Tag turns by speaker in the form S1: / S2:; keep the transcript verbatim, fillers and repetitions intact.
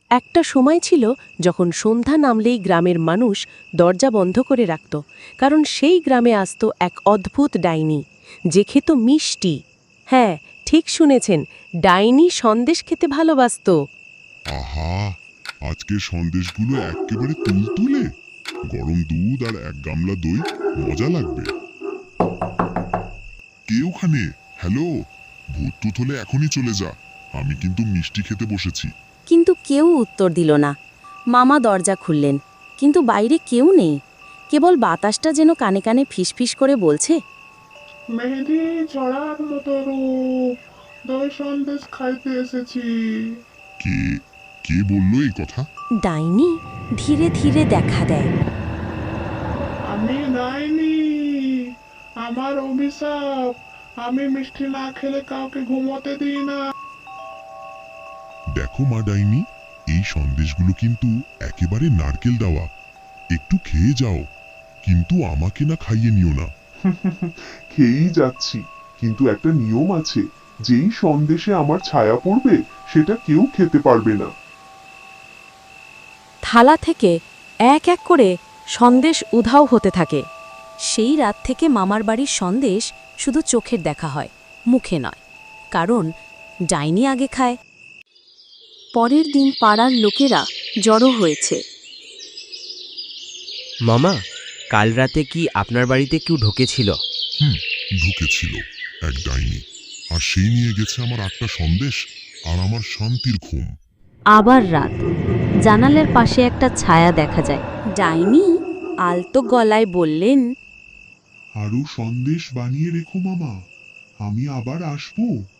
S1: একটা সময় ছিল যখন সন্ধ্যা নামলেই গ্রামের মানুষ দরজা বন্ধ করে রাখত, কারণ সেই গ্রামে আসত এক অদ্ভুত ডাইনি, যে খেত মিষ্টি। হ্যাঁ, ঠিক শুনেছেন, ডাইনি সন্দেশ খেতে ভালোবাসত।
S2: আহা, আজকের সন্দেশগুলো একেবারে তুলতুলে, গরম দুধ আর এক গামলা দই, মজা লাগবে। কে ওখানে? হ্যালো, ভূত টুত হলে এখনই চলে যা, আমি কিন্তু মিষ্টি খেতে বসেছি।
S3: কিন্তু কেউ উত্তর দিল না। মামা দরজা খুললেন, কিন্তু বাইরে কেউ নেই। কেবল বাতাসটা যেন কানে কানে ফিসফিস করে বলছে,
S4: মেহেদি ছড়ার মতো রূপ, দই সন্দেশ খাইতে এসেছি।
S2: কে কে বললো এই কথা?
S3: ডাইনি ধীরে ধীরে দেখা দেয়।
S4: আমি ডাইনি, আমার অভিশাপ, আমি মিষ্টি না খেলে কাউকে ঘুমোতে দিই না।
S2: দেখো মা ডাইনি, এই সন্দেশগুলো কিন্তু একেবারে নারকেল দেওয়া, একটু খেয়ে যাও, কিন্তু আমাকে না খাইয়ে নিও না।
S5: খেয়েই যাচ্ছি, কিন্তু একটা নিয়ম আছে, যেই সন্দেশে আমার ছায়া পড়বে সেটা কেউ খেতে পারবে না।
S1: থালা থেকে এক এক করে সন্দেশ উধাও হতে থাকে।
S3: সেই রাত থেকে মামার বাড়ির সন্দেশ শুধু চোখের দেখা হয়, মুখে নয়, কারণ ডাইনি আগে খায়। পরের দিন পাড়ার লোকেরা জড়ো হয়েছে।
S6: মামা, কাল রাতে কি আপনার বাড়িতে কেউ ঢুকেছিল?
S2: হুম, ঢুকেছিল এক ডাইনি, আর সেই নিয়ে গেছে আমার আটটা সন্দেশ আর আমার শান্তির ঘুম।
S3: আবার রাত, জানালার পাশে একটা ছায়া দেখা যায়। ডাইনি আলতো গলায় বললেন,
S5: আরো সন্দেশ বানিয়ে রেখো মামা, আমি আবার আসবো।